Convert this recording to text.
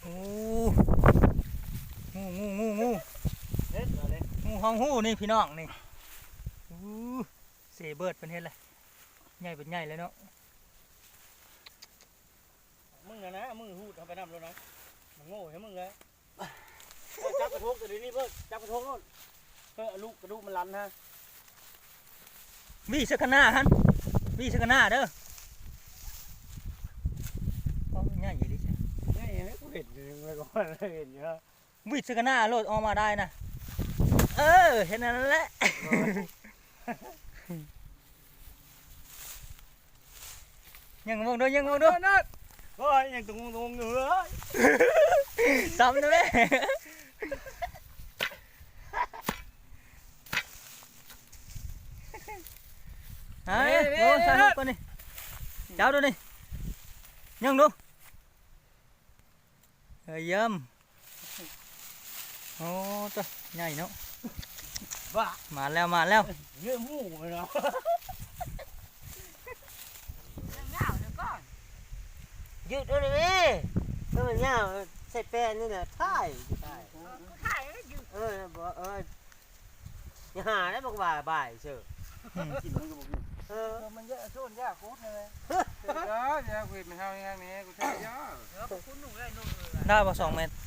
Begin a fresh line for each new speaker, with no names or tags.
โอ้งู
เฮ็ดอะไร
งูห้องหูนี่พี่น้องนี่เสเบิร์ดเป็นเฮ็ดเลยใหญ่เป็นใหญ่เลยเนาะ
มึงนะมึงหูดเอาไปนำแล้วนะมันโง่ใช่มึงเลยจับกระทงตัวนี้เพิ่งจับกระทงโน่นเพื่อลูกกระดูกมันลันฮะ
วิ่งสักหน้าฮันวิ่งสักหน้าเด้อง่ายอยู่ดิ
นี่ให้กูเห็นอยู่เมื่อก่อนเห็นอยู่ฮะ
วิ่งสักหน้าโลดออกมาได้นะเห็นนั่นแหละยังมองด้วย
นั่นโอ้ยยังตรงเหนือ
ซ้ำนะแม่เฮ้ยโอ้ใส่ลูกก่อนนี่เจ้าดูนี่ยังดูเยี่ยมโอ้ตัวใหญ่เนาะ
บ้า
มาแล้ว
เยอะมู่เลยเนาะยืดด้วยดิเมื่อมันเงาใส่แป้นนี่นะถ่ายบอกอย่าหาได้บอกบ่ายเชื่อกินมันก็บอกมันเยอะโซนยากโคตรเลย
ยายาคุยมันเท่านี้กูใช่ยา
ได้ป่ะ2 เมตร